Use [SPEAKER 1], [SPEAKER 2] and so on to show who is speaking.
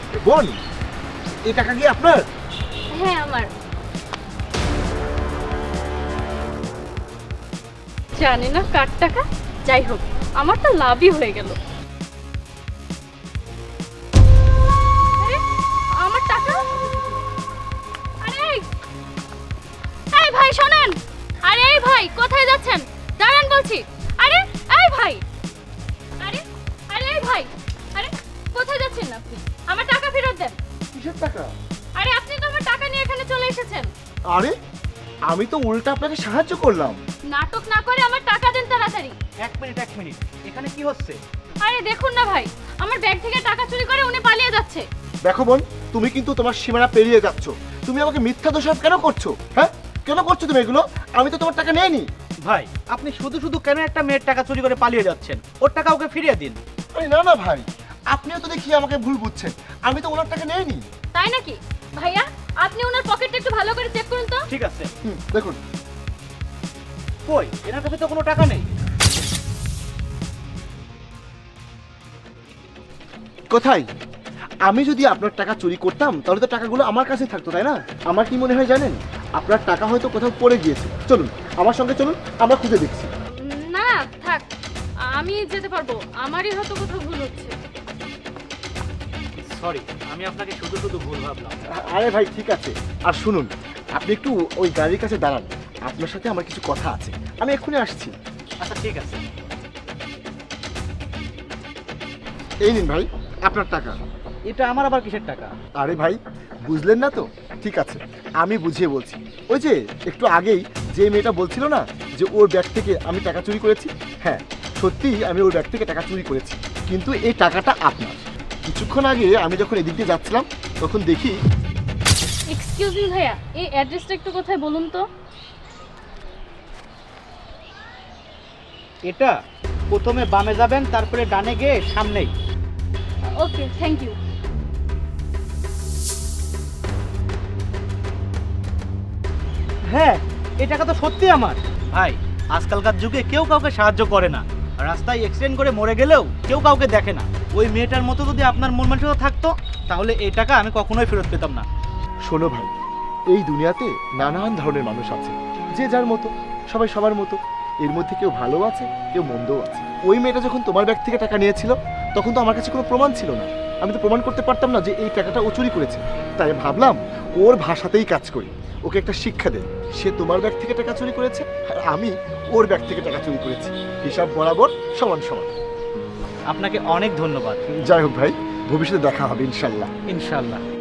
[SPEAKER 1] বোন, এই টাকা কি আপনার?
[SPEAKER 2] হ্যাঁ আমার। জানি না কার টাকা, যাই হোক আমার তো লাভই হয়ে গেল। আরে, আমার টাকা! আরে এই ভাই শোনেন! আরে এই ভাই কোথায় যাচ্ছেন? দাঁড়ান বলছি। আরে এই ভাই! আরে আরে এই ভাই! আরে কোথায় যাচ্ছেন আপনি? আমার টাকা ফেরত দেন।
[SPEAKER 1] কিসের টাকা?
[SPEAKER 2] আরে আপনি তো আমার টাকা নিয়ে এখানে চলে এসেছেন।
[SPEAKER 1] আরে আমি তো উল্টা আপনাকে সাহায্য করলাম।
[SPEAKER 2] নাটক না করে আমার টাকা দেন তাড়াতাড়ি।
[SPEAKER 3] এক মিনিট এখানে কি হচ্ছে?
[SPEAKER 2] আরে দেখুন না ভাই, আমার ব্যাগ থেকে টাকা চুরি করে উনি পালিয়ে যাচ্ছে।
[SPEAKER 1] দেখো বোন, তুমি কিন্তু তোমার সীমানা পেরিয়ে যাচ্ছ। তুমি আমাকে মিথ্যা দোষারোপ কেন করছো? হ্যাঁ, কেন করছো তুমি এগুলো? আমি তো তোমার টাকা নেইনি।
[SPEAKER 3] ভাই, আপনি শুধু শুধু কেন একটা মেয়ের টাকা চুরি করে পালিয়ে যাচ্ছেন? ওর টাকা ওকে ফিরিয়ে দিন।
[SPEAKER 1] আরে না না ভাই, আপনিও তো দেখি আমাকে ভুল বুঝছেন। আমি তো ওনার টাকা নেইনি।
[SPEAKER 2] তাই নাকি? ভাইয়া আপনি ওনার পকেটটা একটু ভালো করে চেক করুন তো।
[SPEAKER 3] ঠিক আছে।
[SPEAKER 1] দেখুন।
[SPEAKER 3] কই, এনার কাছে তো কোনো টাকা নেই।
[SPEAKER 1] কোথায়? আমি যদি আপনার টাকা চুরি করতাম তাহলে তো টাকাগুলো আমার কাছে থাকতো, তাই না? আমার কি মনে হয় জানেন, আপনার টাকা হয়তো কোথাও পড়ে গিয়েছে। চলুন আমার সঙ্গে চলুন, আমরা খুঁজে দেখছি।
[SPEAKER 2] না থাক, আমি যেতে পারবো, আমারই হয়তো কোথাও ভুল হচ্ছে।
[SPEAKER 3] সরি, আমি আপনাকে শুধু শুধু ভুল ভাবলাম।
[SPEAKER 1] আরে ভাই ঠিক আছে। আর শুনুন, আপনি একটু ওই গাড়ির কাছে দাঁড়ান, আপনার সাথে আমার কিছু কথা আছে। আমি এক্ষুনি আসছি।
[SPEAKER 3] আচ্ছা ঠিক আছে।
[SPEAKER 1] এই নিন ভাই আপনার টাকা।
[SPEAKER 3] এটা আমার আবার কিসের টাকা?
[SPEAKER 1] আরে ভাই বুঝলেন না তো? ঠিক আছে, আমি বুঝিয়ে বলছি। ওই যে একটু আগেই যে মেয়েটা বলছিল না যে ওর ব্যাগ থেকে আমি টাকা চুরি করেছি, হ্যাঁ সত্যিই আমি ওর ব্যাগ থেকে টাকা চুরি করেছি, কিন্তু এই টাকাটা আপনার। কিছুক্ষণ আগে আমি যখন এদিক দিয়ে যাচ্ছিলাম তখন দেখি।
[SPEAKER 2] এক্সকিউজ মি ভাইয়া, এই অ্যাড্রেসটা একটু কোথায় বলুন তো।
[SPEAKER 3] এটা প্রথমে বামে যাবেন, তারপরে ডানে গিয়ে সামনেই।
[SPEAKER 2] Okay thank you.
[SPEAKER 3] হ্যাঁ, এই টাকা তো সত্যি আমার। ভাই, আজকালকার যুগে কেউ কাউকে সাহায্য করে না। রাস্তায় অ্যাক্সিডেন্ট করে মরে গেলেও কেউ কাউকে দেখে না। ওই মেয়েটার মতো যদি আপনার মন মানসিকতা থাকতো, তাহলে এই টাকা আমি কখনোই ফেরত পেতাম না।
[SPEAKER 1] শোনো ভাই, এই দুনিয়াতে নানান ধরনের মানুষ আছে, যে যার মতো, সবাই সবার মতো। এর মধ্যে কেউ ভালো আছে, কেউ মন্দও আছে। ওই মেয়েটা যখন তোমার ব্যাগ থেকে টাকা নিয়েছিল তখন তো আমার কাছে কোনো প্রমাণ ছিল না। আমি তো প্রমাণ করতে পারতাম না যে এই টাকাটা ও চুরি করেছে। তাই ভাবলাম ওর ভাষাতেই কাজ করি, ওকে একটা শিক্ষা দেয়। সে তোমার ব্যাগ থেকে টাকা চুরি করেছে আর আমি ওর ব্যাগ থেকে টাকা চুরি করেছি, হিসাব বরাবর সমান সমান।
[SPEAKER 3] আপনাকে অনেক ধন্যবাদ।
[SPEAKER 1] যাই হোক ভাই, ভবিষ্যতে দেখা হবে ইনশাল্লাহ।
[SPEAKER 3] ইনশাল্লাহ।